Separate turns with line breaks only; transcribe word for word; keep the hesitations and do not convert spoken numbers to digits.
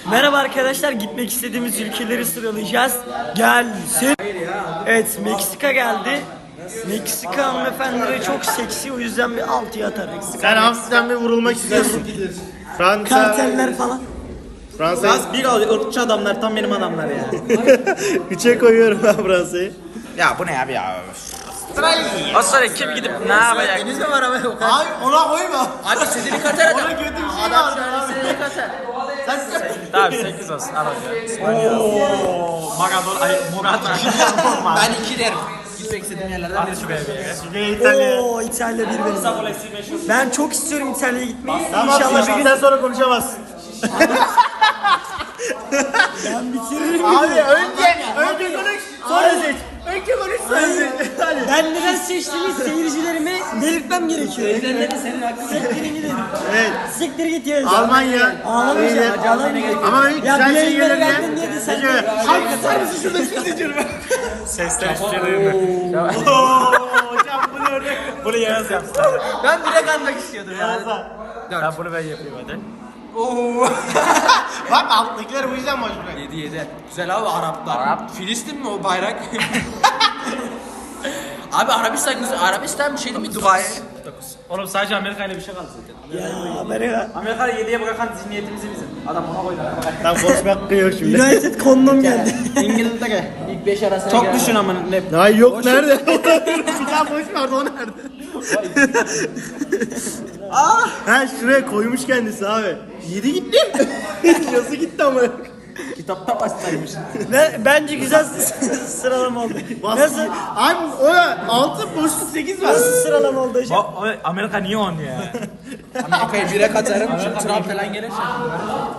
Merhaba arkadaşlar, gitmek istediğimiz ülkeleri sıralayacağız. Gelsin. Evet, Meksika geldi. Meksika hanımefendileri çok seksi, o yüzden bir altıya atarız.
Sen hafiften bir vurulmak istiyorsun. Fransa,
Karteller falan.
Fransa.
Az bir ırkçı adamlar, tam benim adamlar ya.
Üçe koyuyorum ben Fransa'yı.
Ya bu ne abi ya?
O sonra kim gidip ne yapacak?
Deniz mi var abi?
Hayır ona koyma.
Abi Sedili Katar adam.
Ona kötü bir şey
Adam
var.
Sedili Katar.
Tamam sekiz olsun al hocam.
Maradona, ay Murat. Ben iki derim. Gitmek istediğim yerlerden birisi be.
İtalya.
Oo, İtalya bir benim. Ben çok istiyorum İtalya'ya gitmeyi.
Tamam,
İnşallah bir gün
sen sonra konuşamazsın.
ben bitiririm.
Abi önce, önce konuş, sonra seç. Önce konuş, sonra seç. Hadi.
Ben neden seçtiğimi seyircilerime belirtmem gerekiyor.
Evlenme senin hakkın.
Siktirin gidin.
Evet.
Siktir git ya.
Almanya.
Ağlamayacağım. Ağlamayacağım.
Ama ben
Ya
güzel
bir
şey
yayınlara
gelir
geldin diye de sen de.
Abi tutar mısın şurada sileceğim ben.
Seslenişçiliğini.
Hocam bunu örnek.
Bunu Yağız yapsın.
Ben bile kanmak istiyordum ya.
Ben bunu ben yapayım hadi.
Bak alttakiler bu yüzden boş bırak.
yedi yedi. Güzel abi Araplar. Arap. Filistin mi o bayrak? Abi Arabistan güzel. Arabistan bir şey değil mi? Dubai.
Oğlum sadece Amerika ile bir şey kaldı zaten.
Ya Amerika.
Amerika'da yediye bırakan zihniyetimizi bizim. Adam ona koydu.
Tam konuşmak kıyıyor şimdi.
United kondom geldi.
İngiltere. İlk beş arasına Çok düşün ama ne?
Ay yok nerede? Bir daha boş verdi o nerede? Ah! Ha şuraya koymuş kendisi abi. Yedi gitti. Yazı gitti ama.
Kitapta bastaymış.
Ben, bence güzel sıralama oldu. Nasıl?
Abi o altı boşluk sekiz var.
Nasıl sıralama oldu hocam?
Amerika niye on ya?
Amerika'yı bire katarım. Trump falan gelirse.